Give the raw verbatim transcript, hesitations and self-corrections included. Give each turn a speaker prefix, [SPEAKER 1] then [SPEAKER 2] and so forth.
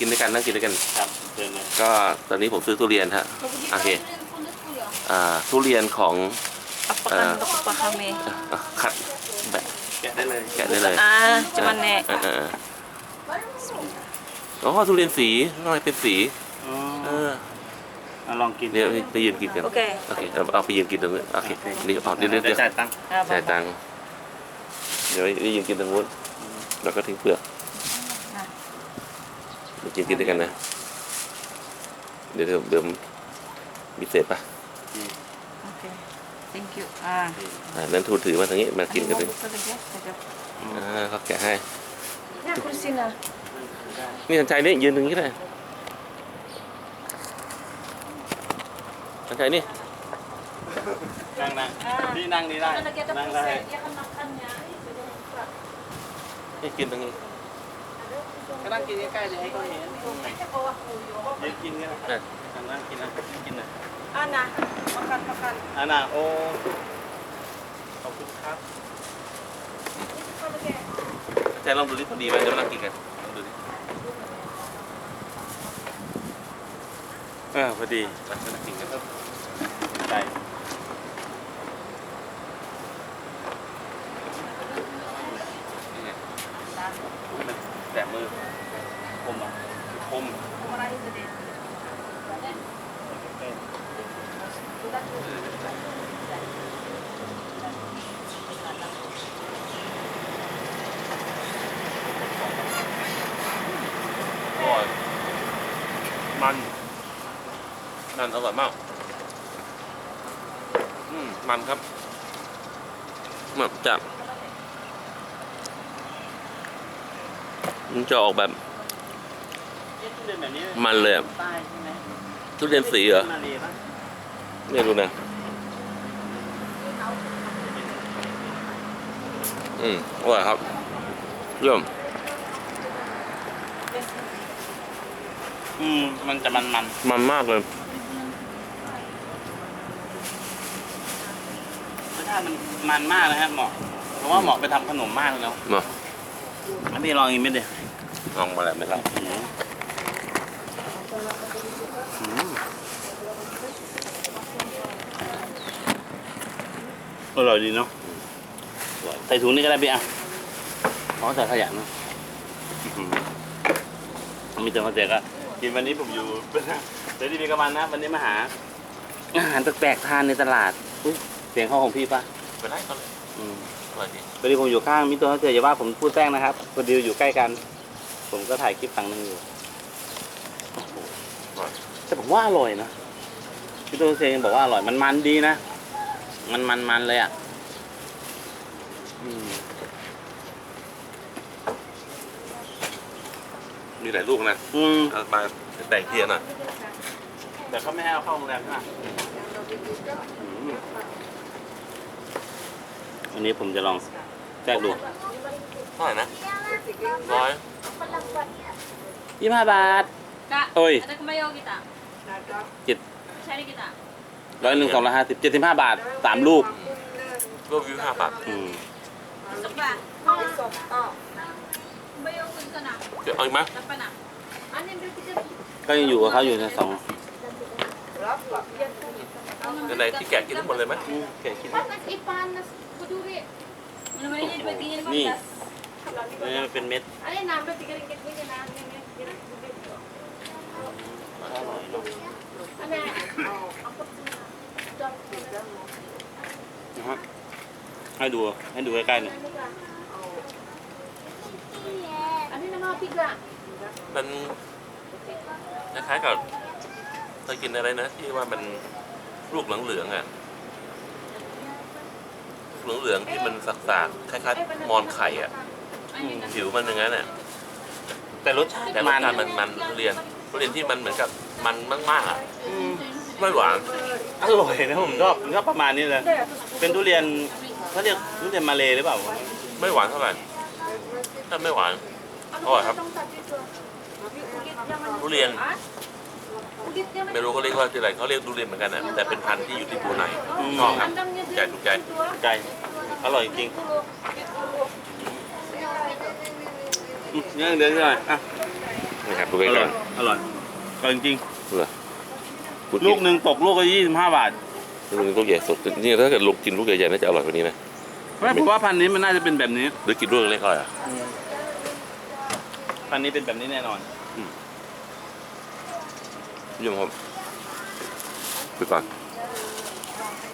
[SPEAKER 1] กินด้วยกันนั่งกินด้วยกัน
[SPEAKER 2] ครับเชิญเลย
[SPEAKER 1] ก็ตอนนี้ผมซื้อทุเรียนฮะโอเคอ่าทุเรียนของ
[SPEAKER 3] Apakan untuk Pak kami?
[SPEAKER 1] อ่ะคัดแบบ
[SPEAKER 2] แกะได้เลย
[SPEAKER 1] แกะได้เลย
[SPEAKER 3] Ah, cuman nek.
[SPEAKER 1] เออเออเอออ๋อทุเรียนสีทำไมเป็นสี
[SPEAKER 2] อ๋อ
[SPEAKER 1] เออ
[SPEAKER 2] เอาลองกิน
[SPEAKER 1] เดี๋ยวไปยืนกินกัน
[SPEAKER 3] โอเค
[SPEAKER 1] โอเคเอาเอาไปยืนกินตรงนู้นโอเคเดี๋ยวเอาเดี๋ยวเดี๋ยว
[SPEAKER 2] เดี๋
[SPEAKER 1] เดี๋
[SPEAKER 2] ย
[SPEAKER 1] ยว ว
[SPEAKER 2] จ่ายตังค์
[SPEAKER 3] Ah,
[SPEAKER 1] จ่าย
[SPEAKER 3] Bang.
[SPEAKER 1] ตังค์เดี๋ยวไปยืนกินตรงนู้นแล้วก็ทิ้งเปลือก
[SPEAKER 3] Nah,
[SPEAKER 1] ไปกินกินด้วยกันนะเดี๋ยวเดี๋ยวเดี๋ยวมีเศษปะ
[SPEAKER 3] oke. Thank you. Ah.
[SPEAKER 1] อ่านั้นทูถือมาทางนี้มากินกันเลย
[SPEAKER 3] Buka saja, saja.
[SPEAKER 1] อ่าเขาแกะให้
[SPEAKER 3] Nah, kursinya.
[SPEAKER 1] นี่ทันใจนี่ยืนตรงนี้ก็ได้ทันใจนี่
[SPEAKER 2] นั่งนะพี่นั่งนี่ได้ นั่งได้
[SPEAKER 1] นี่กินตรงนี้
[SPEAKER 2] ก็นั่งกินใกล้ๆเลยให้เขาเห็นยืนกินกันนะ
[SPEAKER 1] อ่ะ
[SPEAKER 2] นั่งกินนะกินนะ
[SPEAKER 3] Ana, makan makan.
[SPEAKER 2] อันน่ะโอ้ขอบคุณครับ
[SPEAKER 1] ทันใจลองดูดิพอดีไหมเดี๋ยวมานั่งกินกันลองดูดิ
[SPEAKER 2] เออพอดี
[SPEAKER 1] มานั่งกินกันครับ
[SPEAKER 2] ได้
[SPEAKER 1] นี่ไงมันแตะมือ
[SPEAKER 2] คมอ่ะ
[SPEAKER 1] คม อร่อยมันมันอร่อยมากอืมมันครับแบบจะมันจะออกแบบ
[SPEAKER 2] เดินแบบนี้
[SPEAKER 1] มันเลยอะ
[SPEAKER 2] ใต้ใช่ไหม
[SPEAKER 1] ทุเรียนสีเหรอ
[SPEAKER 2] มาเลยปะ
[SPEAKER 1] ไม่รู้นะอืมอร่อยครับเยี่ยม
[SPEAKER 2] อืมมันจะมันมัน
[SPEAKER 1] มันมากเลย
[SPEAKER 2] รสชาติมันมันมากนะฮะเหมาะเพราะว่าเหมาะไปทำขนมมากเลยเนาะ
[SPEAKER 1] มา
[SPEAKER 2] อันนี้ลองอีกเม็ดเดียว
[SPEAKER 1] ลองมาแล้วไหมครับ
[SPEAKER 2] อร่อยดีเนาะใส่ถุงนี่ก็ได้พี่อ่ะอ๋อใส่ขยะเนาะมีแต่มาแจกอะกินวันนี้ผมอยู่เดี๋ยวดีมีกระมันนะวันนี้มาหาอาหารแปลกๆทานในตลาดอุ๊ยเสียงเข้าของพี่ปะ
[SPEAKER 1] ไปได้ก็เลย
[SPEAKER 2] อืม
[SPEAKER 1] อร่อยดี
[SPEAKER 2] พอดีผมอยู่ข้างมิสเตอร์เจอย่าว่าผมพูดแป้งนะครับพอดีอยู่ใกล้กัน ผมก็ถ่ายคลิปฝั่งนึงอยู่
[SPEAKER 1] อร่อย
[SPEAKER 2] แต่ผมว่าอร่อยนะมิสเตอร์เจยังบอกว่าอร่อยมันมันดีนะ มันมันมันเลยอ่ะอืม
[SPEAKER 1] มีหลายลูกนะ
[SPEAKER 2] อืม
[SPEAKER 1] เอามาแต่งเทียนอ่ะ
[SPEAKER 2] แต่เขาไม่ให้เอาเข้าโรงแรมใช่ไหมอันนี้ผมจะลองแทรกดู
[SPEAKER 1] เท่าไหร่นะร้อย
[SPEAKER 2] ยี่สิบห้าบาท
[SPEAKER 3] Kak,
[SPEAKER 2] Oi.
[SPEAKER 3] ada kembali kita.
[SPEAKER 2] เจ็ด
[SPEAKER 3] Cari kita.
[SPEAKER 2] ร้อยหนึ่งสองร้อยห้าสิบเจ็ดสิบห้าบาทสามลูก
[SPEAKER 1] ก็วิวห้าบาท
[SPEAKER 2] อืม
[SPEAKER 3] Coba. Kembali kita nak.
[SPEAKER 1] เดี๋ยวเอาอีกไหม
[SPEAKER 3] Dapat nak. Ani ambil tiga.
[SPEAKER 2] ก็ยังอยู่กับเขาอยู่ในสอง
[SPEAKER 1] ไหนๆที่แกะกินทั้งหมดเลยไหมแกะกิน
[SPEAKER 4] Panas ipanas kuduri.
[SPEAKER 3] Mana-mana jadi bagian yang
[SPEAKER 2] Ni.
[SPEAKER 3] panas.
[SPEAKER 2] นี่มันเป็นเม็ด
[SPEAKER 4] Ada nambah tiga ringgit ini nah ini ini ini.
[SPEAKER 2] อร่อยเนาะ
[SPEAKER 4] Ada apa sih?
[SPEAKER 2] นะฮะให้ดูให้ดูใกล้ๆหน่อย
[SPEAKER 4] Ada nama tiga.
[SPEAKER 1] มันคล้ายๆกับเคยกินอะไรนะที่ว่ามันลูกเหลืองๆอ่ะเหลืองๆที่มันสักๆคล้ายๆมอนไข่อ่ะผิวมันอย่างนั้นอ่ะ
[SPEAKER 2] แต่รสชาติ
[SPEAKER 1] แต่รส
[SPEAKER 2] มัน
[SPEAKER 1] ชาติมันมันทุเรียนทุเรียนที่มันเหมือนกับมันมากๆอ่ะ
[SPEAKER 2] อืม
[SPEAKER 1] ไม่หวาน
[SPEAKER 2] อร่อยนะผมชอบผมชอบประมาณนี้เลยเป็นทุเรียนเขาเรียกทุเรียนมาเลหรือเปล่า
[SPEAKER 1] ไม่หวานเท่าไหร่ถ้าไม่หวานอร่อยครับ ทุเรียน ไม่รู้เขาเรียกว่าอะไรเขาเรียกทุเรียนเหมือนกันนะแต่เป็นพันธุ์ที่อยู่ที่ภูไหนชอบครับใจถูกใจ
[SPEAKER 2] ใจอร่อยจริงอืมยังเดินหน่อยอ่ะ
[SPEAKER 1] โอ้นะครับดู
[SPEAKER 2] อ
[SPEAKER 1] ใก
[SPEAKER 2] ร่
[SPEAKER 1] ล้
[SPEAKER 2] อยอร่อยอร่อยจริง
[SPEAKER 1] ๆดูเลย
[SPEAKER 2] ๆลูกหนึ่งตกลูกละยี่สิบห้าบาท
[SPEAKER 1] ลูกนึงลูกใหญ่สุดนี่ถ้าเกิดลูกกินลูกใหญ่ๆน่าจะอร่อยกว่านี้นะ
[SPEAKER 2] ไม่ผมว่าพันธุ์นี้มันน่าจะเป็นแบบนี้
[SPEAKER 1] หรือกินลูกเล็กๆอร่อยอ่ะ
[SPEAKER 2] พันธุ์นี้เป็นแบบนี้แน่นอน
[SPEAKER 1] พี่ยมครับไปก่อน